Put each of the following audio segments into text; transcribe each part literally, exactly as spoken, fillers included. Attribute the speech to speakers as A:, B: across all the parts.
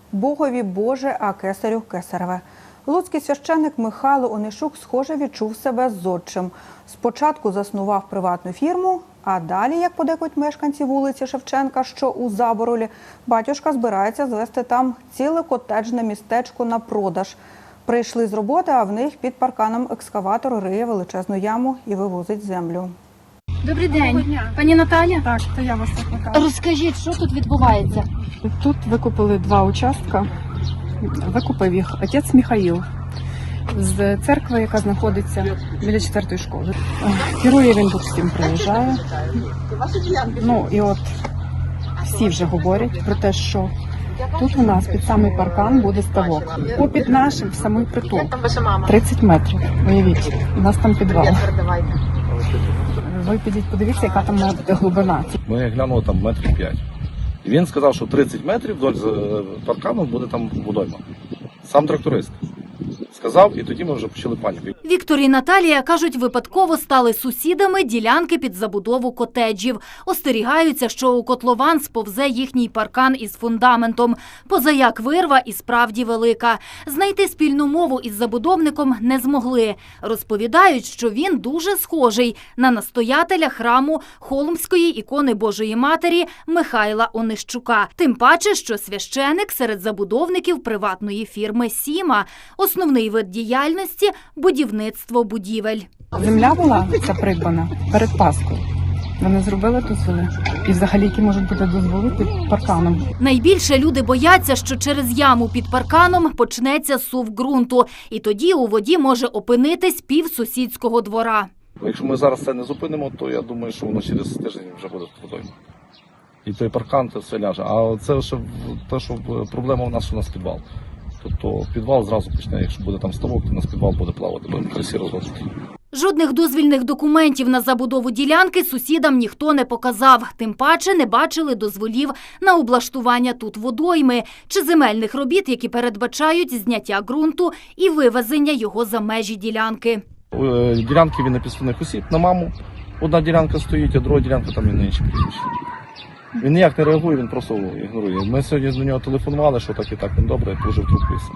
A: «Богові Боже, а кесарю кесареве». Луцький священник Михайло Онищук, схоже, відчув себе зодчим. Спочатку заснував приватну фірму, а далі, як подекують мешканці вулиці Шевченка, що у Заборолі, батюшка збирається звести там ціле котеджне містечко на продаж. Прийшли з роботи, а в них під парканом екскаватор риє величезну яму і вивозить землю.
B: Добрий день. Пані Наталя?
C: Так, то я вас викликаю.
B: Розкажіть, що тут відбувається?
C: Тут викупили два участка. Викупив їх отець Михаїл з церкви, яка знаходиться біля четвертої школи. Керує він тут всім, приїжджає. Ну і от всі вже говорять про те, що тут у нас під самий паркан буде ставок. Попід нашим в самий притул. тридцять метрів. Уявіть, у нас там підвал. Ви підіть, подивіться, яка там має бути глибина.
D: Ми глянули там метрів п'ять. І він сказав, що тридцять метрів вдоль паркану буде там водойма. Сам тракторист сказав, і тоді ми вже почали паніку.
E: Віктор і Наталія, кажуть, випадково стали сусідами ділянки під забудову котеджів. Остерігаються, що у котлован сповзе їхній паркан із фундаментом. Позаяк вирва і справді велика. Знайти спільну мову із забудовником не змогли. Розповідають, що він дуже схожий на настоятеля храму Холмської ікони Божої Матері Михайла Онищука. Тим паче, що священик серед забудовників приватної фірми «Сіма». Основний вид діяльності – будівництво будівель.
C: Земля була ця придбана перед Паскою. Вони зробили дозволи. І взагалі, які можуть бути дозволи під парканом.
E: Найбільше люди бояться, що через яму під парканом почнеться сув ґрунту. І тоді у воді може опинитись пів сусідського двора.
D: Якщо ми зараз це не зупинимо, то я думаю, що воно через тиждень вже буде водойма. І той паркан, це все ляже. А це ще те, що проблема у нас, що у нас підвал. Тобто підвал зразу почне, якщо буде там ставок, то у нас підвал буде плавати, будемо красі розводити.
E: Жодних дозвільних документів на забудову ділянки сусідам ніхто не показав. Тим паче не бачили дозволів на облаштування тут водойми чи земельних робіт, які передбачають зняття ґрунту і вивезення його за межі ділянки.
D: У ділянки він на підставних осіб, на маму. Одна ділянка стоїть, а друга ділянка там і на інші прізвища. Він ніяк не реагує, він просто ігнорує. Ми сьогодні до нього телефонували, що так і так, він добре, положив трубку і все.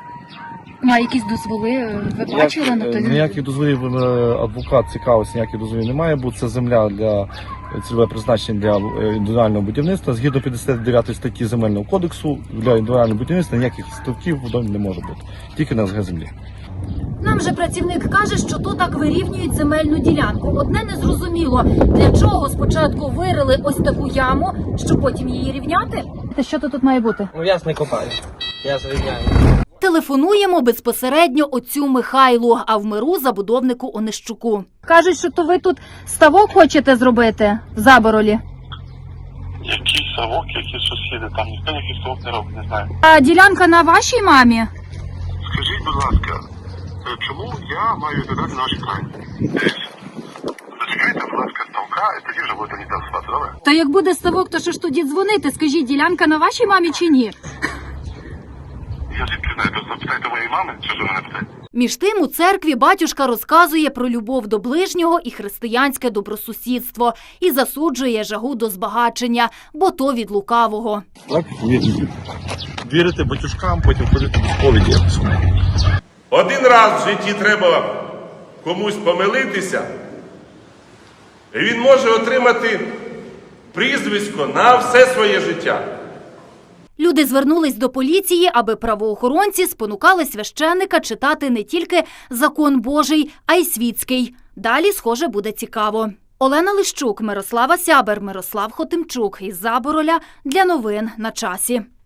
B: А якісь дозволи ви бачили на той?
D: Ніяких дозволів, адвокат цікавився, ніяких дозволів не має бути. Це земля для цільове призначення для індивідуального будівництва. Згідно п'ятдесят дев'ятої статті Земельного кодексу, для індивідуального будівництва ніяких ставків водойм не може бути. Тільки на ес ге землі.
E: Нам же працівник каже, що то так вирівнюють земельну ділянку. Одне незрозуміло, для чого спочатку вирили ось таку яму, щоб потім її рівняти?
B: Та що то тут має бути?
F: Ну я ж не копаю, я зрівняю.
E: Телефонуємо безпосередньо отцю Михайлу, а в миру забудовнику Онищуку.
B: Кажуть, що то ви тут ставок хочете зробити в Заборолі.
G: Який ставок, які сусіди, там ніхто ніякий ставок не робить, не знаю.
B: А ділянка на вашій мамі?
G: Скажіть, будь ласка, чому я маю відповідати на ваші крайні? Зачекайте, будь ласка, ставка, і тоді вже будете мені голосувати, добре?
B: Та як буде ставок, то що ж тоді дзвонити? Скажіть, ділянка на вашій мамі чи ні?
G: Я звідки знаю, то запитайте моєї мами, чи ж ви мене питаєте?
E: Між тим, у церкві батюшка розказує про любов до ближнього і християнське добросусідство і засуджує жагу до збагачення, бо то від лукавого.
D: Так, вірити. Вірити батюшкам, потім ходити до сповіді якось.
H: Один раз в житті треба комусь помилитися, і він може отримати прізвисько на все своє життя.
E: Люди звернулись до поліції, аби правоохоронці спонукали священника читати не тільки закон Божий, а й світський. Далі, схоже, буде цікаво. Олена Лищук, Мирослава Сябер, Мирослав Хотимчук із Забороля для новин на часі.